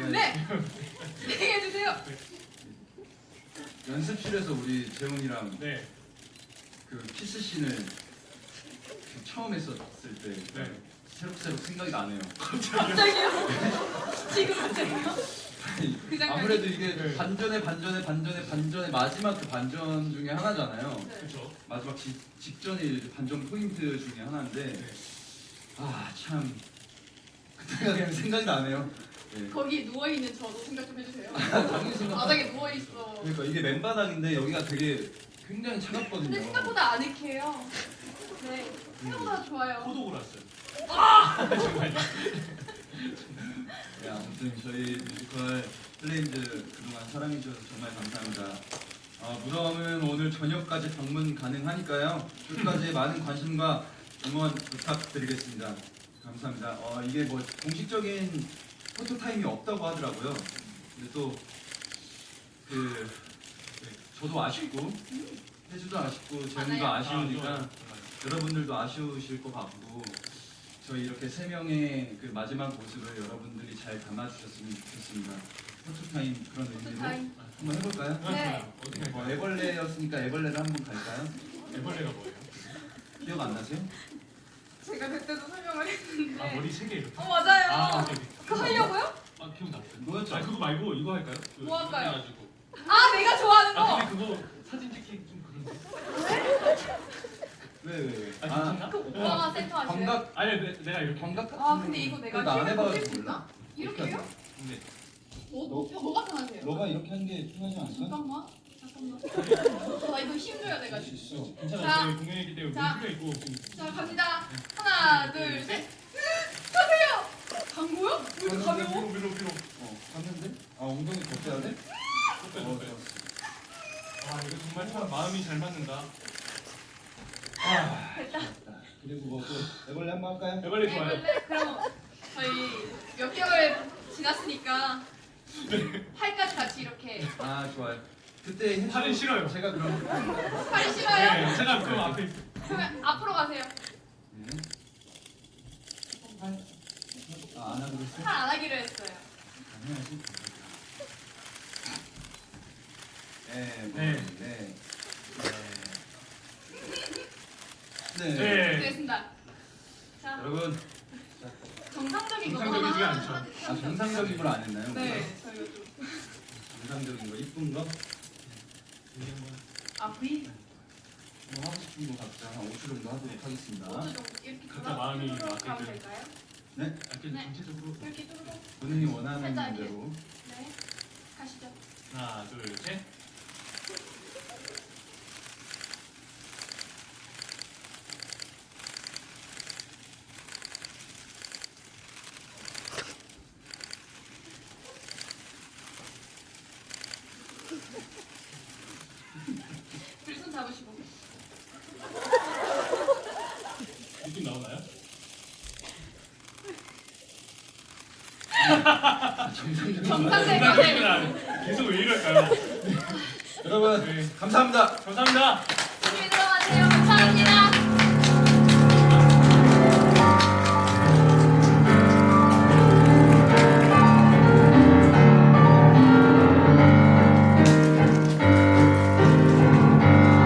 네. 진행해 주세요. 연습실에서 우리 재훈이랑 네. 그 키스씬을 처음 했었을 때 네. 새록새록 생각이 나네요. 갑자기요? 지금 갑자기요? 그 장면이? 아무래도 이게 네. 반전의 마지막 그 반전 중에 하나잖아요. 네. 그렇죠. 마지막 직전이 반전 포인트 중에 하나인데 네. 아 참 그때가 그냥 생각이 나네요. 네. 거기 누워 있는 저도 생각 좀 해주세요. 당연히 생각. 바닥에 누워 있어. 그러니까 이게 맨바닥인데 여기가 되게 굉장히 차갑거든요. 근데 생각보다 아늑해요. 네. 생각보다 좋아요. 호독을 왔어요. 네, 아무튼 저희 뮤지컬 플레임즈 그동안 사랑해주셔서 정말 감사합니다. 무덤은 오늘 저녁까지 방문 가능하니까요. 끝까지 많은 관심과 응원 부탁드리겠습니다. 감사합니다. 이게 뭐 공식적인 포토 타임이 없다고 하더라고요. 근데 또 저도 아쉽고 혜주도 아쉽고 재훈도 맞아요. 아쉬우니까 여러분들도 아쉬우실 것 같고 저희 이렇게 세 명의 그 마지막 모습을 여러분들이 잘 담아주셨으면 좋겠습니다. 포토타임 그런 의미로 포토타임. 한번 해볼까요? 네. 어떻게 할까요? 애벌레였으니까 애벌레를 한번 갈까요? 애벌레가 뭐예요? 기억 안 나세요? 제가 그때도 설명을 했는데. 아, 머리 3개 이렇게. 맞아요. 아, 오케이. 그거 하려고요? 아, 기억났어요. 뭐였죠? 아, 그거 말고 이거 할까요? 뭐 할까요? 해가지고. 아, 내가 좋아하는 거. 아, 근데 그거 사진 찍기 좀 그런데. 왜? 아, 괜찮나? 그 오빠가 센터 하실래요? 광각 아니, 내가 이렇게. 광각 같은 아, 근데 이거 내가 나안 키를 해봐가지고 보실 수 있나? 몰라. 이렇게요? 근데 뭐가 편하세요? 너가 이렇게 하는 게 편하지 않을까? 잠깐만. 나 이거 힘줘야 할 돼가지고. 수 있어. 괜찮아요. 자. 저희 공연이기 때문에 자. 문제가 있고 지금. 자, 갑니다. 하나, 둘, 셋. 가세요. 간 거야? 왜 이렇게 가벼워? 위로. 봤는데? 엉덩이 더 빼야 돼? 더 빼. 아, 이거 정말 참 마음이 잘 맞는다. 됐다. 그리고 뭐 또 애벌레 한번 할까요? 애벌레 좋아요. 원래 그럼 저희 몇 개월 지났으니까 팔까지 같이 이렇게. 좋아요. 그때 혜주- 팔은 싫어요. 제가 그럼 팔이 싫어요? 네, 제가 그럼 앞에 있어요. 그러면 앞으로 가세요. 네. 안 하기로 했어? 팔 안 하기로 했어요. 안 해야지. 네. 네. 됐습니다. 자, 여러분, 정상적인 거 정상적이지가 하나 않죠. 하나 정상적인 걸 안 했나요? 네, 저희가 좀. 정상적인 거, 이쁜 거, 아, V? 뭐 하고 싶은 거 각자 한 5초 정도 하도록 하겠습니다. 어느 정도 이렇게 각자 마음이 뚜루룩 맞게 가면 좀. 될까요? 네, 이렇게 네. 전체적으로 이렇게 뚜루룩. 본인이 원하는 살짝 대로. 네, 가시죠. 하나, 둘, 셋. 둘이 손 잡으시고. 느낌 나오나요? 정상적인 거. 정상적인 생각은 안 해. 계속 왜 이럴까요? 여러분, 네. 감사합니다. 감사합니다.